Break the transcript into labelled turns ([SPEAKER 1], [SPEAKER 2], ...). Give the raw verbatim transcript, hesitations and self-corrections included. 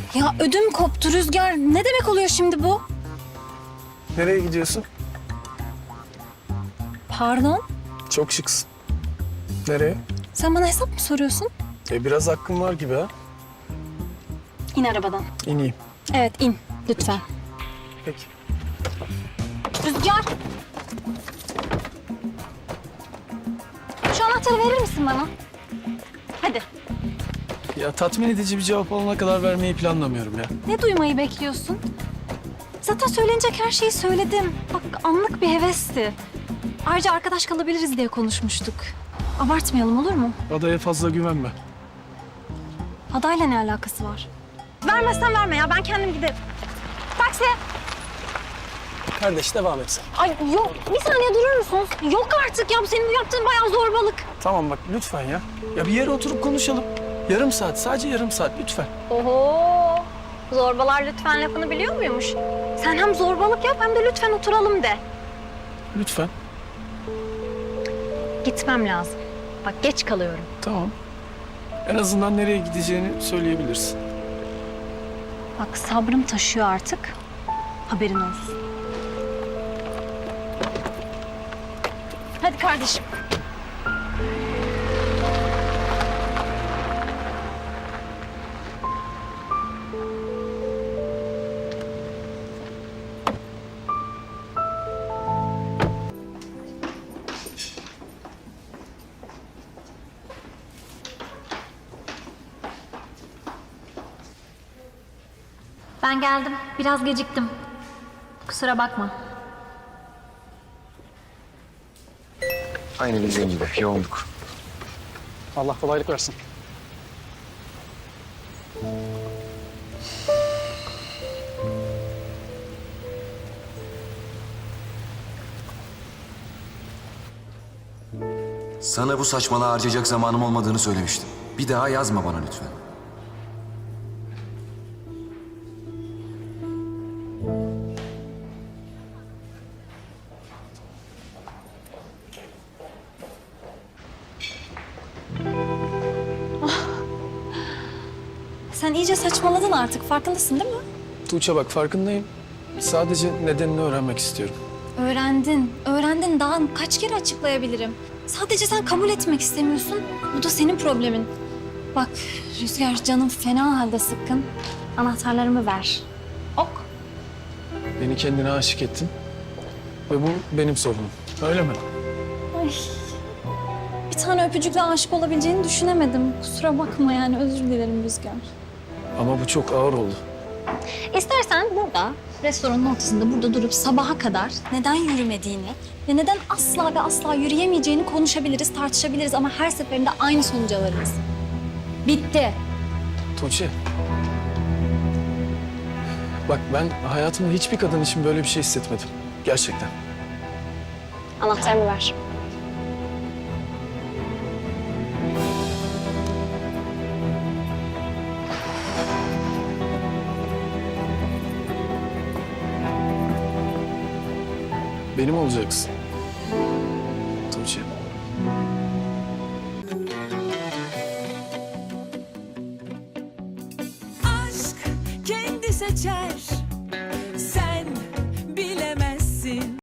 [SPEAKER 1] Ya ödüm koptu Rüzgar. Ne demek oluyor şimdi bu?
[SPEAKER 2] Nereye gidiyorsun?
[SPEAKER 1] Pardon?
[SPEAKER 2] Çok şıksın. Nereye?
[SPEAKER 1] Sen bana hesap mı soruyorsun?
[SPEAKER 2] E biraz hakkın var gibi ha.
[SPEAKER 1] İn arabadan.
[SPEAKER 2] İneyim.
[SPEAKER 1] Evet in lütfen.
[SPEAKER 2] Peki.
[SPEAKER 1] Rüzgar. Şu anahtarı verir misin bana? Hadi.
[SPEAKER 2] Ya tatmin edici bir cevap alana kadar vermeyi planlamıyorum ya.
[SPEAKER 1] Ne duymayı bekliyorsun? Zaten söylenecek her şeyi söyledim. Bak anlık bir hevesti. Ayrıca arkadaş kalabiliriz diye konuşmuştuk. Abartmayalım olur mu?
[SPEAKER 2] Adaya fazla güvenme.
[SPEAKER 1] Adayla ne alakası var? Vermezsen verme ya ben kendim giderim. Taksi.
[SPEAKER 2] Kardeş devam et sen.
[SPEAKER 1] Ay yok bir saniye durur musunuz? Yok artık ya bu senin bu yaptığın bayağı zorbalık.
[SPEAKER 2] Tamam bak lütfen ya. Ya bir yere oturup konuşalım. Yarım saat, sadece yarım saat lütfen.
[SPEAKER 1] Oho. Zorbalar lütfen lafını biliyor muymuş? Sen hem zorbalık yap hem de lütfen oturalım de.
[SPEAKER 2] Lütfen.
[SPEAKER 1] Gitmem lazım. Bak geç kalıyorum.
[SPEAKER 2] Tamam. En azından nereye gideceğini söyleyebilirsin.
[SPEAKER 1] Bak sabrım taşıyor artık. Haberin olsun. Hadi kardeşim. Ben geldim. Biraz geciktim. Kusura bakma.
[SPEAKER 3] Aynı bizim gibi yoğunluk.
[SPEAKER 2] Allah kolaylık versin.
[SPEAKER 3] Sana bu saçmalığa harcayacak zamanım olmadığını söylemiştim. Bir daha yazma bana lütfen.
[SPEAKER 1] Sen iyice saçmaladın artık. Farkındasın değil mi?
[SPEAKER 2] Tuğçe bak farkındayım. Sadece nedenini öğrenmek istiyorum.
[SPEAKER 1] Öğrendin. Öğrendin. Daha kaç kere açıklayabilirim? Sadece sen kabul etmek istemiyorsun. Bu da senin problemin. Bak Rüzgar canım fena halde sıkkın. Anahtarlarımı ver. Ok.
[SPEAKER 2] Beni kendine aşık ettin. Ve bu benim sorunum. Öyle mi?
[SPEAKER 1] Ay. Bir tane öpücükle aşık olabileceğini düşünemedim. Kusura bakma yani özür dilerim Rüzgar.
[SPEAKER 2] Ama bu çok ağır oldu.
[SPEAKER 1] İstersen burada, restoranın ortasında burada durup sabaha kadar neden yürümediğini ve neden asla ve asla yürüyemeyeceğini konuşabiliriz, tartışabiliriz ama her seferinde aynı sonuca varırız. Bitti.
[SPEAKER 2] Tuğçe. Bak ben hayatımda hiçbir kadın için böyle bir şey hissetmedim. Gerçekten.
[SPEAKER 1] Anahtarımı ver.
[SPEAKER 2] Benim olacaksın. Tuğçe.
[SPEAKER 4] Aşk kendi seçer